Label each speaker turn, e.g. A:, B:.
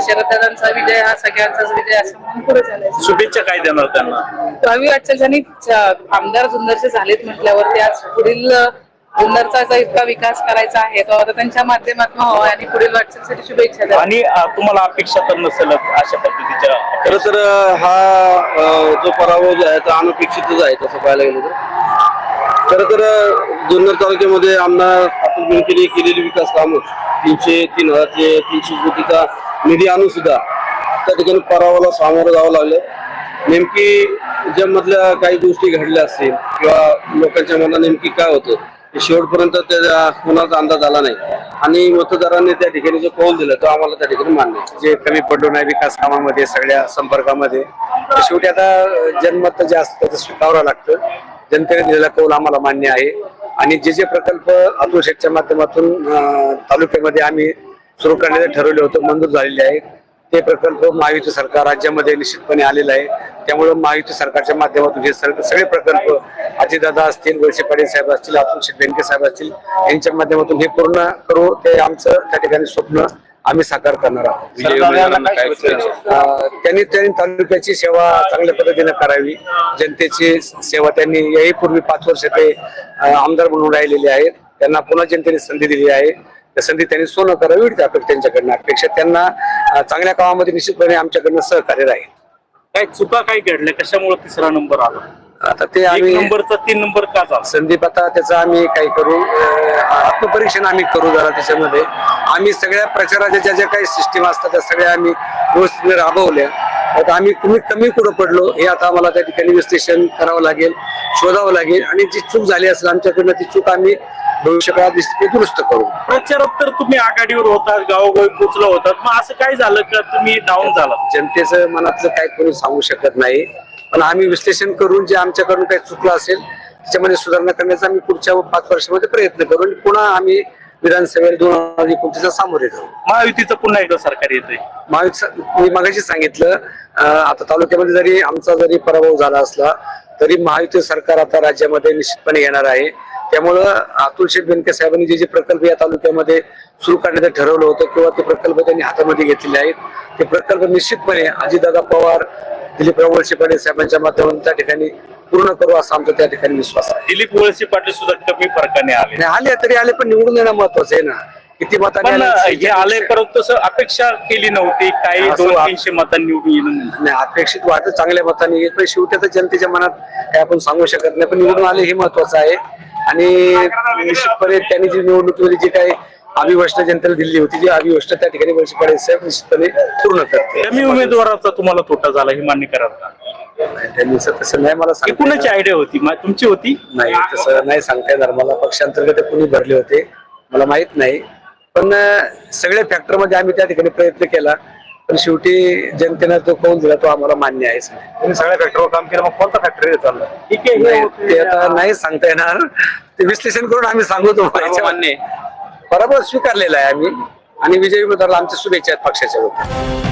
A: शरददादांचा विजय हा सगळ्यांचाच विजय असं म्हणून पुढे चालायचं.
B: शुभेच्छा काय देणार त्यांना?
A: रवी वाटचाल आमदार जुन्नरचे झालेत म्हटल्यावरती आज पुढील जुन्नरचा जो इतका विकास करायचा आहे तो आता त्यांच्या माध्यमातून व्हावा आणि पुढील वाटचालीसाठी शुभेच्छा द्या.
B: आणि तुम्हाला अपेक्षा तर नसेल अशा पद्धतीच्या?
C: खरं तर हा जो पराभव जो आहे तो अनपेक्षितच आहे तसं पाहायला गेलं तर. खरं तर जुन्नर तालुक्यामध्ये आमदार अतुल बेनकेने केलेली विकास कामं 3,300 कोटीचा निधी आणून सुद्धा त्या ठिकाणी पराभवाला सामोरं जावं लागलं. नेमकी ज्यामधल्या काही गोष्टी घडल्या असतील किंवा लोकांच्या मनात नेमकी काय होतं ते शेवटपर्यंत त्या कोणाचा अंदाज आला नाही आणि मतदारांनी त्या ठिकाणी जो कौल दिला तो आम्हाला त्या ठिकाणी मान्य आहे.
D: जे कमी पडलो नाही विकास कामामध्ये सगळ्या संपर्कामध्ये शेवटी आता जनमत जे असतं ते स्वीकारावं लागतं. जनतेने दिलेला कौल आम्हाला मान्य आहे आणि जे प्रकल्प अतुल शेठच्या माध्यमातून तालुक्यामध्ये आम्ही सुरू करण्याचे ठरवले होते मंजूर झालेले आहे ते प्रकल्प महायुती सरकार राज्यामध्ये निश्चितपणे आलेलं आहे. त्यामुळे महायुती सरकारच्या माध्यमातून हे सगळे प्रकल्प अजितदादा असतील, वळसे पाटील साहेब असतील, अतुल शेठ बेनके साहेब असतील यांच्या माध्यमातून हे पूर्ण करू ते आमचं त्या ठिकाणी स्वप्न आम्ही साकार करणार आहोत. त्यांनी तालुक्याची सेवा चांगल्या पद्धतीने करावी. जनतेची सेवा त्यांनी याहीपूर्वी 5 वर्ष ते आमदार म्हणून राहिलेले आहेत. त्यांना पुन्हा जनतेने संधी दिली आहे. त्या संधी त्यांनी सोनं करावी एवढी त्यांच्याकडनं अपेक्षा. त्यांना चांगल्या कामामध्ये निश्चितपणे आमच्याकडनं सहकार्य राहील.
B: काय चुका काय घडल्या कशामुळे 3रा नंबर आला?
D: आता ते
B: 1
D: आम्ही
B: नंबरचा 3 नंबर का झाला?
D: संदीप आता त्याचं आम्ही काही करू आत्मपरीक्षण आम्ही करू जरा त्याच्यामध्ये. आम्ही सगळ्या प्रचाराच्या ज्या काही सिस्टीम असतात त्या सगळ्या आम्ही व्यवस्थित राबवल्या. आता आम्ही कमी कुठं पडलो हे आता आम्हाला त्या ठिकाणी विश्लेषण करावं लागेल, शोधावं लागेल आणि जी चूक झाली असेल आमच्याकडनं ती चूक आम्ही भविष्यकाळात दुरुस्त करू.
B: प्रचारात तर तुम्ही आघाडीवर होतात, गावोगावी पोचला होतात, मग असं काय झालं का तुम्ही डाऊन झाला?
D: जनतेचं मनातलं काही कोणी सांगू शकत नाही पण आम्ही विश्लेषण करून जे आमच्याकडून काही चुकलं असेल त्याच्यामध्ये सुधारणा करण्याचा आम्ही पुढच्या 5 वर्षामध्ये प्रयत्न करू आणि पुन्हा आम्ही विधानसभेला 2029 सामोरे जाऊ.
B: महायुतीचं पुन्हा एकदा सरकार येतंय.
D: मी मगाशी सांगितलं आता तालुक्यामध्ये जरी आमचा पराभव झाला असला तरी महायुती सरकार आता राज्यामध्ये निश्चितपणे येणार आहे. त्यामुळं अतुल शेठ बेनके साहेबांनी जे प्रकल्प या तालुक्यामध्ये सुरू करण्याचं ठरवलं होतं किंवा ते प्रकल्प त्यांनी हातामध्ये घेतलेले आहेत ते प्रकल्प निश्चितपणे अजितदादा पवार, दिलीपराव वळसे पाटील साहेबांच्या माध्यमातून त्या ठिकाणी पूर्ण करू असा आमचा त्या ठिकाणी विश्वास आहे.
B: दिलीप वळसे पाटील सुद्धा कमी फरकाने आले
D: तरी आले पण निवडून येणं महत्वाचं आहे ना. किती मतांनी
B: आले परंतु तसं अपेक्षा केली नव्हती. काही 200-300 मतांनी निवडून येणं
D: नाही. अपेक्षित वाटत चांगल्या मतांनी येत पण शेवटी आता जनतेच्या मनात काय आपण सांगू शकत नाही पण निवडून आले हे महत्वाचं आहे. आणि निश्चितपणे त्यांनी जी निवडणुकीमध्ये जी काही अभिवष्ट जनतेला दिली होती जी अभिवष्ट त्या ठिकाणी वळसे पाटील साहेब निश्चितपणे पूर्ण करते.
B: कमी उमेदवाराचा तुम्हाला तोटा झाला हे मान्य करा.
D: त्यांनी तसं नाही मला सांगता
B: कुणाची आयडिया होती? तुमची होती?
D: नाही तसं नाही सांगता येणार मला. पक्षांतर्गत कुणी भरले होते मला माहित नाही पण सगळ्या फॅक्टर मध्ये आम्ही त्या ठिकाणी प्रयत्न केला पण शेवटी जनतेनं तो कौल दिला तो आम्हाला मान्य आहे.
C: तुम्ही सगळ्या फॅक्टरवर काम केलं मग कोणता फॅक्टरी चालला?
B: ठीक आहे
D: ते आता नाही सांगता येणार. ते विश्लेषण करून आम्ही सांगू तुम्हाला. पराभव स्वीकारलेला आहे आम्ही आणि विजयी उमेदवाराला आमच्या शुभेच्छा आहेत पक्षाच्या वतीने.